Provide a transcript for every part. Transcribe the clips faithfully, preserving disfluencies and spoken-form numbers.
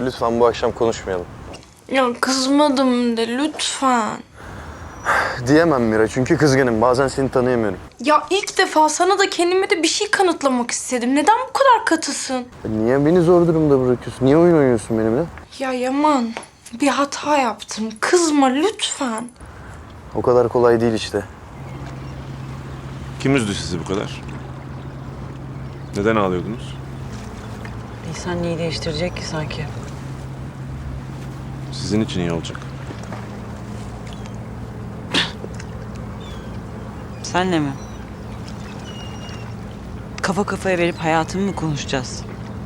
lütfen bu akşam konuşmayalım. Ya kızmadım de lütfen. Diyemem Mira çünkü kızgınım. Bazen seni tanıyamıyorum. Ya ilk defa sana da kendime de bir şey kanıtlamak istedim. Neden bu kadar katısın? Niye beni zor durumda bırakıyorsun? Niye oyun oynuyorsun benimle? Ya Yaman, bir hata yaptım. Kızma lütfen. O kadar kolay değil işte. Kim üzdü sizi bu kadar? Neden ağlıyordunuz? İnsan neyi değiştirecek ki sanki? Sizin için iyi olacak. Senle mi? Kafa kafaya verip hayatımı mı konuşacağız?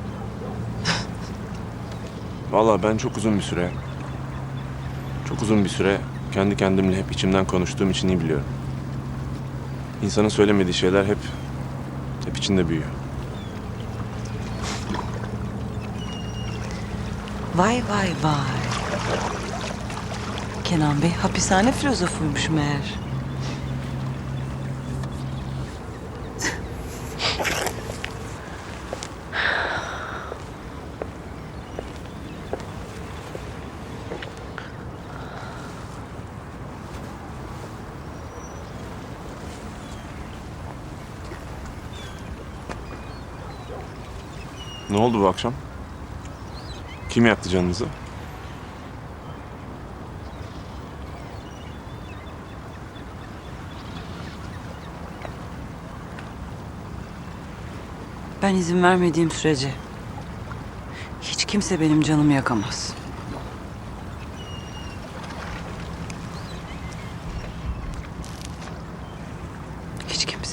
Vallahi ben çok uzun bir süre, çok uzun bir süre kendi kendimle hep içimden konuştuğum için iyi biliyorum. İnsanın söylemediği şeyler hep, hep içinde büyüyor. Vay vay vay. Kenan Bey hapishane filozofuymuş meğer. Ne oldu bu akşam? Kim yaktı canınızı? Ben izin vermediğim sürece hiç kimse benim canımı yakamaz. Hiç kimse.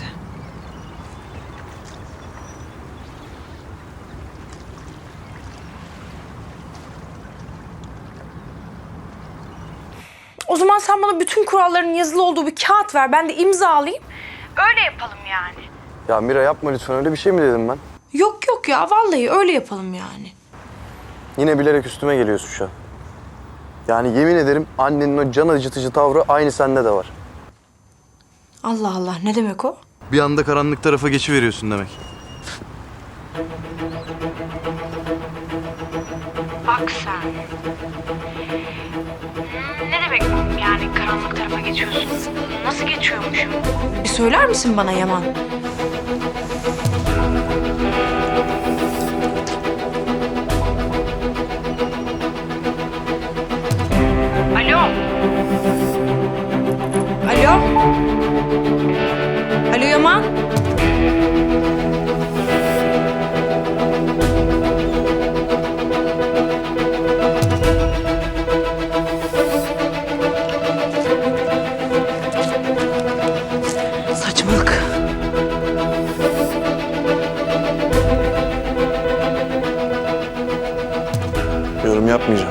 O zaman sen bana bütün kuralların yazılı olduğu bir kağıt ver. Ben de imzalayayım. Öyle yapalım yani. Ya Mira yapma lütfen. Öyle bir şey mi dedim ben? Yok yok ya vallahi öyle yapalım yani. Yine bilerek üstüme geliyorsun şu an. Yani yemin ederim annenin o can acıtıcı tavrı aynı sende de var. Allah Allah ne demek o? Bir anda karanlık tarafa geçiveriyorsun demek. Bak sen. Ne demek yani karanlık tarafa geçiyorsun? Nasıl geçiyormuşum? Bir söyler misin bana Yaman? Alo. Alo. Alo Yaman. Saçmalık. Yorum yapmayacağım.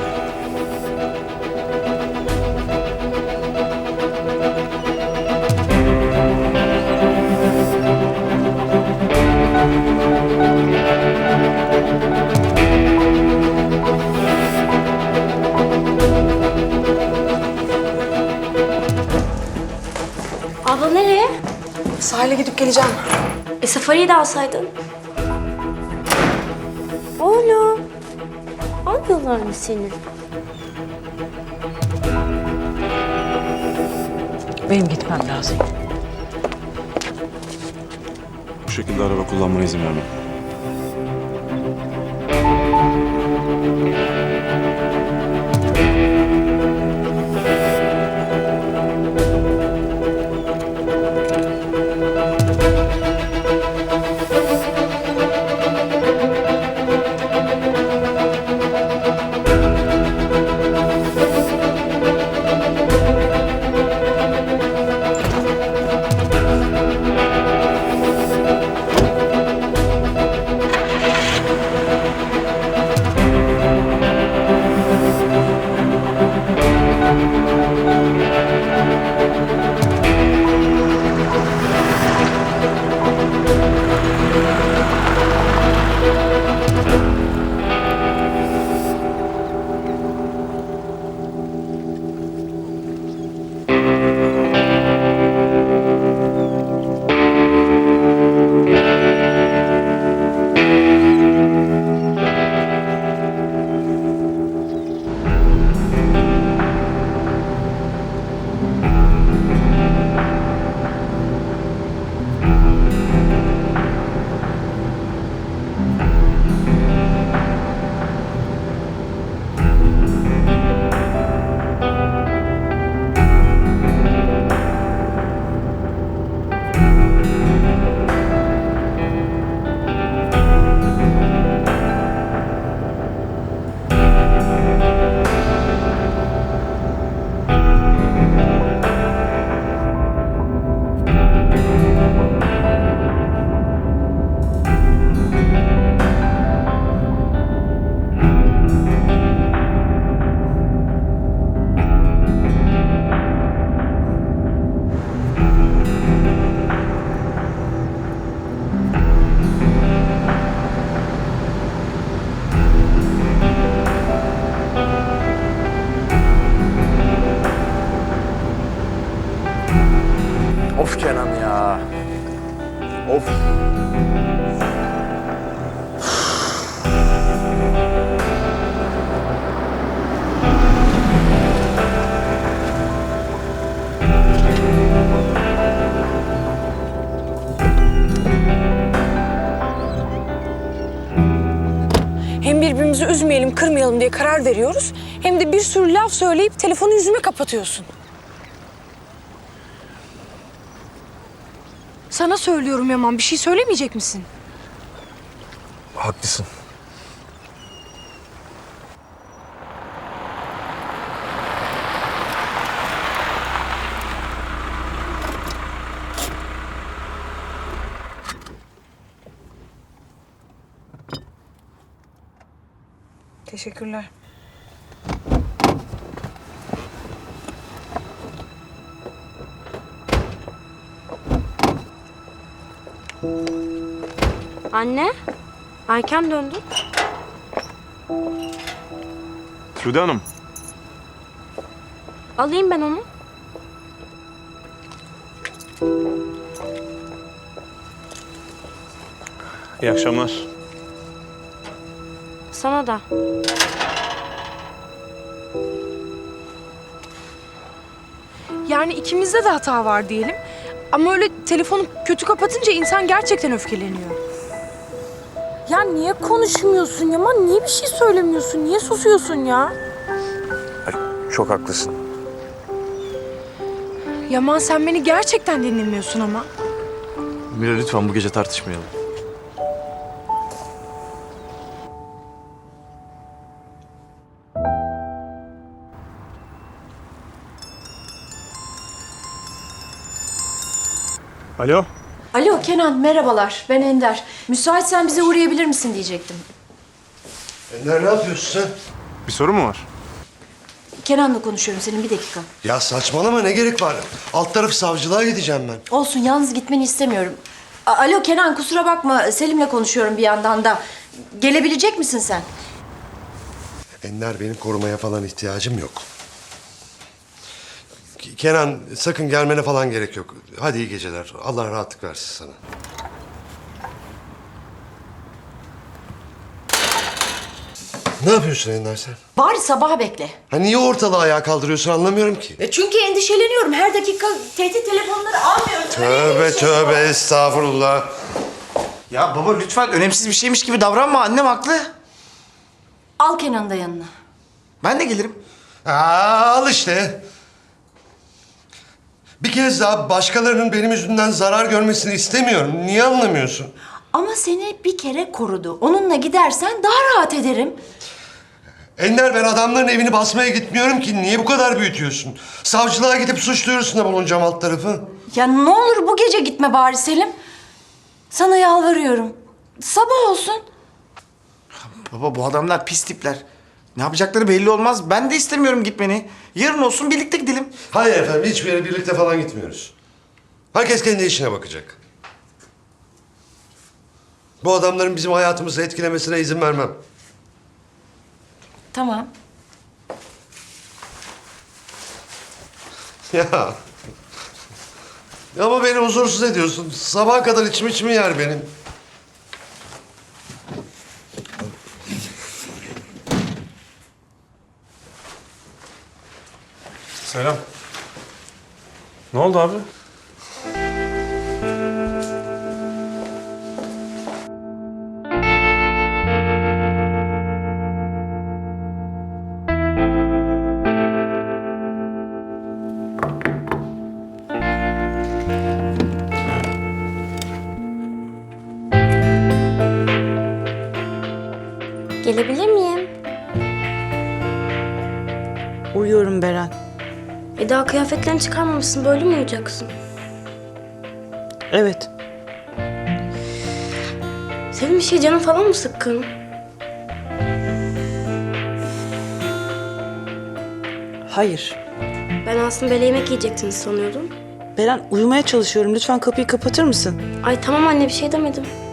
Abla nereye? Sahile gidip geleceğim. E safariyi de alsaydın. Oğlum. Almıyorlar mı seni? Benim gitmem lazım. Bu şekilde araba kullanmana izin vermem. Of Kenan ya. Of. Hem birbirimizi üzmeyelim, kırmayalım diye karar veriyoruz. Hem de bir sürü laf söyleyip telefonu yüzüme kapatıyorsun. Sana söylüyorum Yaman, bir şey söylemeyecek misin? Haklısın. Teşekkürler. Anne, erken döndün. Sude Hanım. Alayım ben onu. İyi akşamlar. Sana da. Yani ikimizde de hata var diyelim. Ama öyle telefonu kötü kapatınca insan gerçekten öfkeleniyor. Ya niye konuşmuyorsun Yaman? Niye bir şey söylemiyorsun? Niye susuyorsun ya? Ay, çok haklısın. Yaman sen beni gerçekten dinlemiyorsun ama. Mira lütfen bu gece tartışmayalım. Alo. Alo Kenan, merhabalar. Ben Ender. Müsaitsen bize uğrayabilir misin diyecektim. Ender ne yapıyorsun sen? Bir sorun mu var? Kenan'la konuşuyorum senin bir dakika. Ya saçmalama ne gerek var? Alt taraf savcılığa gideceğim ben. Olsun, yalnız gitmeni istemiyorum. A- Alo Kenan, kusura bakma. Selim'le konuşuyorum bir yandan da. Gelebilecek misin sen? Ender benim korumaya falan ihtiyacım yok. K- Kenan sakın gelmene falan gerek yok. Hadi iyi geceler. Allah rahatlık versin sana. Ne yapıyorsun Ender sen? Bari sabaha bekle. Ha niye ortalığı ayağa kaldırıyorsun anlamıyorum ki. E çünkü endişeleniyorum. Her dakika tehdit telefonları almıyorum. Tövbe tövbe estağfurullah. Ya baba lütfen önemsiz bir şeymiş gibi davranma. Annem haklı. Al Kenan'ı da yanına. Ben de gelirim. Aa, al işte. Bir kez daha başkalarının benim yüzümden zarar görmesini istemiyorum. Niye anlamıyorsun? Ama seni bir kere korudu. Onunla gidersen daha rahat ederim. Ender ben adamların evini basmaya gitmiyorum ki. Niye bu kadar büyütüyorsun? Savcılığa gidip suç duyurusunda bulunacağım alt tarafı. Ya ne olur bu gece gitme bari Selim. Sana yalvarıyorum. Sabah olsun. Baba bu adamlar pis tipler. Ne yapacakları belli olmaz. Ben de istemiyorum gitmeni. Yarın olsun birlikte gidelim. Hayır efendim hiçbir yere birlikte falan gitmiyoruz. Herkes kendi işine bakacak. Bu adamların bizim hayatımızı etkilemesine izin vermem. Tamam. Ya. Ama beni huzursuz ediyorsun. Sabaha kadar içim içimi yer benim. Selam. Ne oldu abi? Gelebilir miyim? Uyuyorum Beren. E daha kıyafetlerini çıkarmamışsın. Böyle mi uyuyacaksın? Evet. Senin bir şey canın falan mı sıkkın? Hayır. Ben aslında böyle yemek yiyeceksiniz sanıyordum. Beren uyumaya çalışıyorum. Lütfen kapıyı kapatır mısın? Ay tamam anne bir şey demedim.